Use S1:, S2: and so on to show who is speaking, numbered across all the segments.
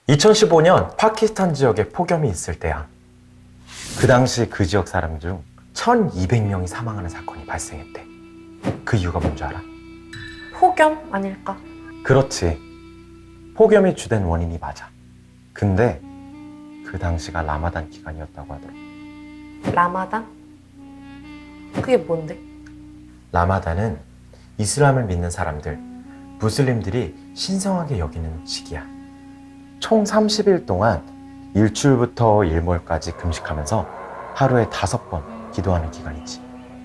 S1: 2015년 파키스탄 지역에 폭염이 있을 때야. 그 당시 그 지역 사람 중 1200명이 사망하는 사건이 발생했대. 그 이유가 뭔 줄 알아?
S2: 폭염 아닐까?
S1: 그렇지. 폭염이 주된 원인이 맞아. 근데 그 당시가 라마단 기간이었다고 하더라.
S2: 라마단? 그게 뭔데?
S1: 라마단은 이슬람을 믿는 사람들, 무슬림들이 신성하게 여기는 시기야. 총 30일 동안 일출부터 일몰까지 금식하면서 하루에 5번 기도하는 기간이지.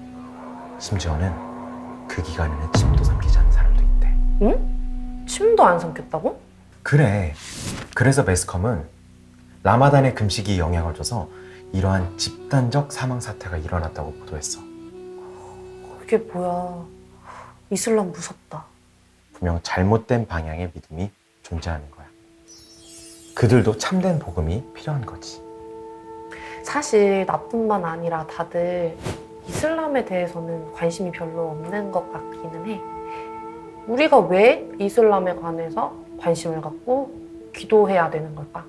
S1: 심지어는 그 기간에는 침도 삼키지 않는 사람도 있대.
S2: 응? 침도 안 삼켰다고?
S1: 그래. 그래서 매스컴은 라마단의 금식이 영향을 줘서 이러한 집단적 사망 사태가 일어났다고 보도했어.
S2: 그게 뭐야. 이슬람 무섭다.
S1: 분명 잘못된 방향의 믿음이 존재하는 거야. 그들도 참된 복음이 필요한 거지.
S2: 사실 나뿐만 아니라 다들 이슬람에 대해서는 관심이 별로 없는 것 같기는 해. 우리가 왜 이슬람에 관해서 관심을 갖고 기도해야 되는 걸까?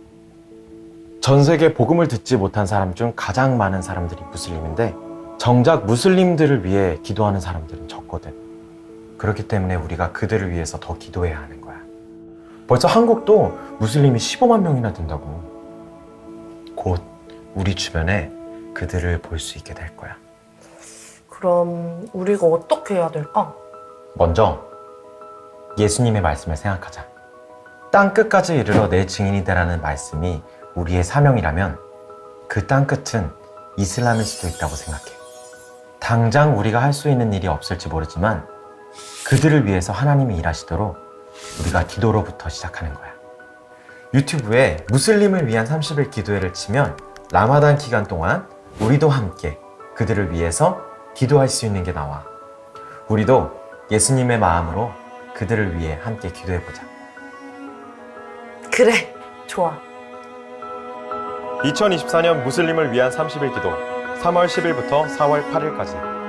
S1: 전 세계 복음을 듣지 못한 사람 중 가장 많은 사람들이 무슬림인데 정작 무슬림들을 위해 기도하는 사람들은 적거든. 그렇기 때문에 우리가 그들을 위해서 더 기도해야 하는 거야. 벌써 한국도 무슬림이 15만 명이나 된다고. 곧 우리 주변에 그들을 볼 수 있게 될 거야.
S2: 그럼 우리가 어떻게 해야 될까?
S1: 먼저 예수님의 말씀을 생각하자. 땅 끝까지 이르러 내 증인이 되라는 말씀이 우리의 사명이라면 그 땅 끝은 이슬람일 수도 있다고 생각해. 당장 우리가 할 수 있는 일이 없을지 모르지만 그들을 위해서 하나님이 일하시도록 우리가 기도로부터 시작하는 거야. 유튜브에 무슬림을 위한 30일 기도회를 치면 라마단 기간 동안 우리도 함께 그들을 위해서 기도할 수 있는 게 나와. 우리도 예수님의 마음으로 그들을 위해 함께 기도해보자.
S2: 그래, 좋아.
S1: 2024년 무슬림을 위한 30일 기도 3월 10일부터 4월 8일까지